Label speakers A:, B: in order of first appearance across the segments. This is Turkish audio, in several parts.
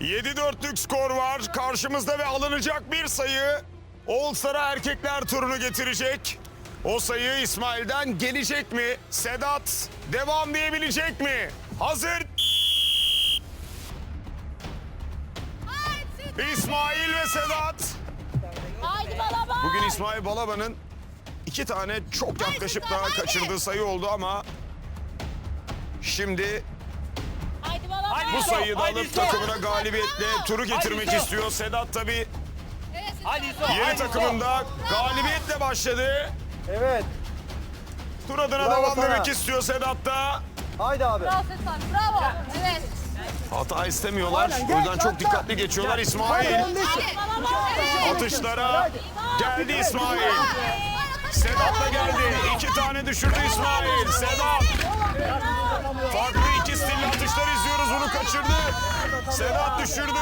A: 7-4'lük skor var karşımızda ve alınacak bir sayı All Star'a erkekler turunu getirecek. O sayı İsmail'den gelecek mi? Sedat devam diyebilecek mi? Hazır. İsmail ve Sedat.
B: Haydi Balaban.
A: Bugün İsmail Balaban'ın 2 tane çok yaklaşıp daha kaçırdığı sayı oldu ama şimdi
B: Haydi Balaban.
A: bu sayıyı da alıp takımına galibiyetle turu getirmek istiyor. Sedat tabii yeni takımında galibiyetle başladı.
C: Evet.
A: Tur adına
C: Bravo
A: devam
C: sana.
A: demek istiyor Sedat da.
C: Haydi abi.
B: Bravo Sedat. Bravo. Evet.
A: Hata istemiyorlar. O yüzden çok dikkatli geçiyorlar. İsmail atışlara geldi İsmail. Sedat da geldi. 2 tane düşürdü İsmail. Sedat. Farklı 2 stilli atışlar izliyoruz. Bunu kaçırdı. Sedat düşürdü.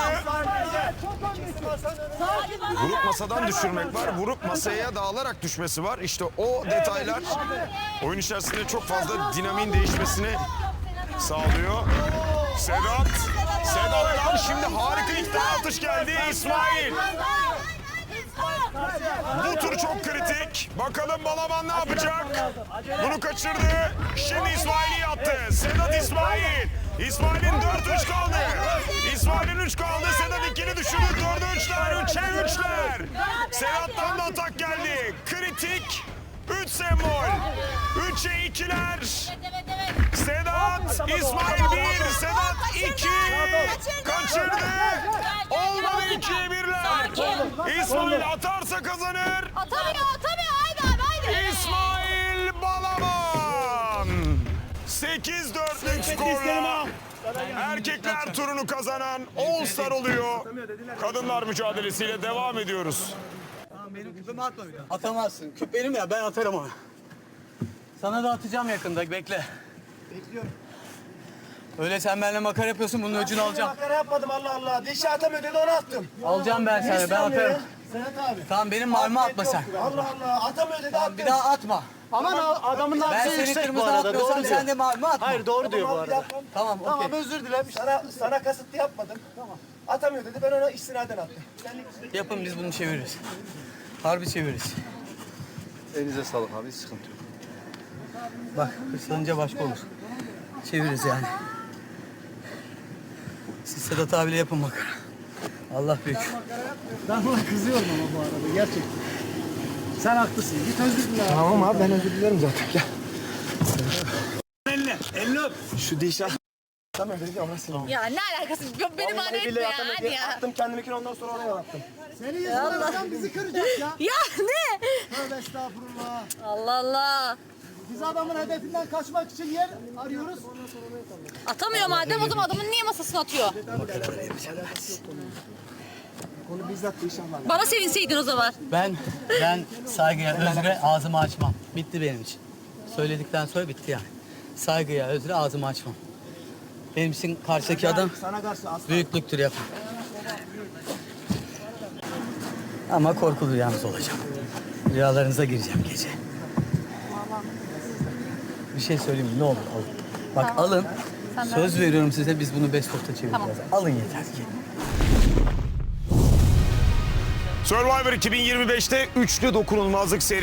A: Vurup masadan düşürmek var. Vurup masaya dağılarak düşmesi var. İşte o detaylar oyun içerisinde çok fazla dinamiğin değişmesini sağlıyor. Sedat. Sedat'tan şimdi harika 2 tane atış geldi. İsmail. Bu tur çok kritik. Bakalım Balaban ne yapacak? Bunu kaçırdı. Şimdi İsmail'i attı. Sedat İsmail. İsmail'in 4-3 kaldı. İsmail'in 3 kaldı. Sedat ikili düşürdü. 4'e 3'ler. 3'e 3'ler. Sedat'tan da atak geldi. Kritik. 3 sembol. 3'e 2'ler. Sedat, İsmail 1, Sedat 2. Kaçırdı. Olmadı 2'ye 1'ler. İsmail atarsa kazanır.
B: Atamıyor. Haydi abi haydi.
A: İsmail Balaban. 8-4'lük skorla erkekler turunu kazanan All Star oluyor. Kadınlar mücadelesiyle devam ediyoruz.
D: Benim küpümü atma bir daha. Atamazsın. Küp benim ya, ben atarım onu. Sana da atacağım yakında, bekle.
C: Bekliyorum.
D: Öyle sen benimle makara yapıyorsun, bunun öcünü alacağım.
C: Makara yapmadım Allah Allah. Dişi atamıyor dedi onu attım.
D: Alacağım ben seni, ben atarım.
C: Sedat abi.
D: Tamam, benim marmı atma sen.
C: Allah Allah. Atamıyor dedi attım.
D: Bir daha atma.
C: Aman adamın
D: Ben
C: nabzı
D: seni
C: yüksek bu
D: kırmızı
C: arada.
D: atmıyorsam
C: Doğru diyor.
D: sen de marmı atma.
C: Hayır doğru diyor bu arada.
D: Tamam,
C: Tamam
D: okey.
C: özür dilerim. Sana kasıtlı yapmadım. Tamam. Atamıyor dedi ben ona istinaden attım.
D: Yapın, biz bunu çeviririz. Harbi çeviririz.
E: Elinize sağlık abi, hiç sıkıntı yok.
D: Bak, hırslanınca başka olur. Çeviririz yani. Siz Sedat abiyle yapın makara. Allah büyük.
F: Ben buna kızıyorum ama bu arada gerçekten. Sen haklısın. Git özür dile.
C: Tamam abi ben özür dilerim zaten. Gel.
D: Elini öp.
C: Şu dişi atamıyor dedi ona sildim.
B: Ya ne alakası? Beni bana etme ya. Hadi ya.
C: Attım kendimkini ondan sonra oraya attım.
F: Senin yüzünden adam bizi kıracak ya.
B: Ya ne?
F: Tövbe estağfurullah.
B: Allah Allah.
F: Biz adamın hedefinden kaçmak için yer arıyoruz.
B: Atamıyor madem o zaman adamın niye masasına atıyor?
C: Onu bizzat inşallah.
B: Bana sevinseydin o zaman.
D: Ben saygıya, özre ağzımı açmam. Bitti benim için. Söyledikten sonra bitti yani. Saygıya, özre ağzımı açmam. Benim için karşıdaki adam
C: Sana karşı asla.
D: büyüklüktür yapın. Ama korkulu yalnız olacağım. Rüyalarınıza gireceğim gece. Bir şey söyleyeyim mi? Ne olur alın. Bak alın. Söz veriyorum size, biz bunu best of'ta çevireceğiz.
B: Tamam.
D: Alın yeter ki.
A: Survivor 2025'te üçlü dokunulmazlık serisi.